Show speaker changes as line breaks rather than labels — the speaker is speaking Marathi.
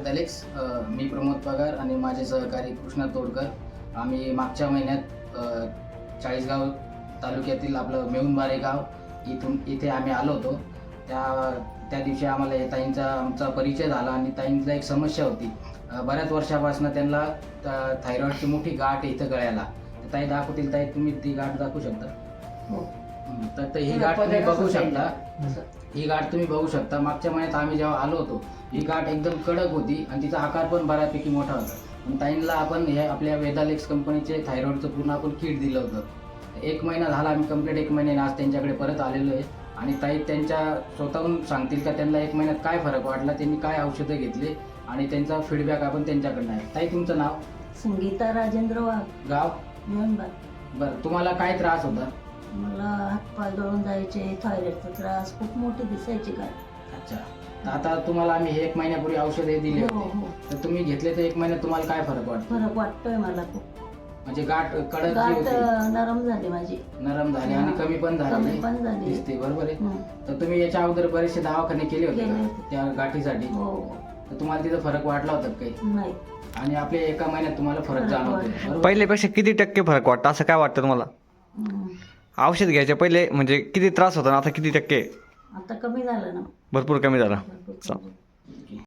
वेदालेक्स. मी प्रमोद पगार आणि माझे सहकारी कृष्णा तोडकर. आम्ही मागच्या महिन्यात चाळीसगाव तालुक्यातील आपलं मेहुणबारे गाव इथे आम्ही आलो होतो. त्या दिवशी आम्हाला या ताईंचा आमचा परिचय झाला आणि ताईंचा एक समस्या होती. बऱ्याच वर्षापासून त्यांना थायरॉईडची मोठी गाठ इथं गळ्याला. ताई दाखवतील. ताई तुम्ही ती गाठ दाखवू शकता?
हो.
तर ही गाठ तुम्ही बघू शकता. ही गाठ तुम्ही बघू शकता. मागच्या महिन्यात आम्ही जेव्हा आलो होतो ही गाठ एकदम कडक होती आणि तिचा आकार पण बऱ्यापैकी मोठा होता. पण ताईंना आपण हे आपल्या वेदालेक्स कंपनीचे थायरॉईडचं पूर्ण आपण किट दिलं होतं. 1 महिना झाला, आम्ही कंप्लीट 1 महिन्याने आज त्यांच्याकडे परत आलेलो आहे आणि ताई त्यांच्या स्वतःहून सांगतील का त्यांना 1 महिन्यात काय फरक वाटला, त्यांनी काय औषधं घेतले आणि त्यांचा फीडबॅक आपण त्यांच्याकडनं आहे. ताई तुमचं नाव?
संगीता राजेंद्र वाघ,
गाव?
मेहुणबार.
बरं, तुम्हाला काय त्रास होता?
मला हातपाय गळून जायचे, थायरॉइडचा त्रास, खूप मोठी दिसायची काय.
अच्छा. तर आता तुम्हाला आम्ही हे 1 महिन्यापूर्वी औषधे दिली
हो,
होती.
हो.
तर तुम्ही घेतले तर 1 महिन्यात तुम्हाला काय फरक वाटतो?
फरक वाटतोय मला खूप.
म्हणजे गाठ कडक जी
गाठ
होती
नरम झाली माझी.
नरम झाली आणि कमी पण
कमी
झाली
पण झाली.
दिसते, बरोबर आहे.
हं.
तर तुम्ही याच्या अगोदर बरेचसे दवाखाने केले होते
केले
का
होते.
त्या गाठीसाठी?
हो.
तर तुम्हाला तिथं फरक वाटला होता का काही?
नाही.
आणि आपल्या 1 महिन्यात तुम्हाला फरक
फरक
जाणवतोय,
वाटला.
बरोबर?
पहिल्यापेक्षा किती टक्के फरक वाटतं असं काय वाटतं तुम्हाला?
हं.
औषध घ्यायच्या पहिले म्हणजे किती त्रास होता ना आता किती टक्के?
आता कमी झालं ना.
भरपूर कमी झाला.
भरपूर कमी झालं.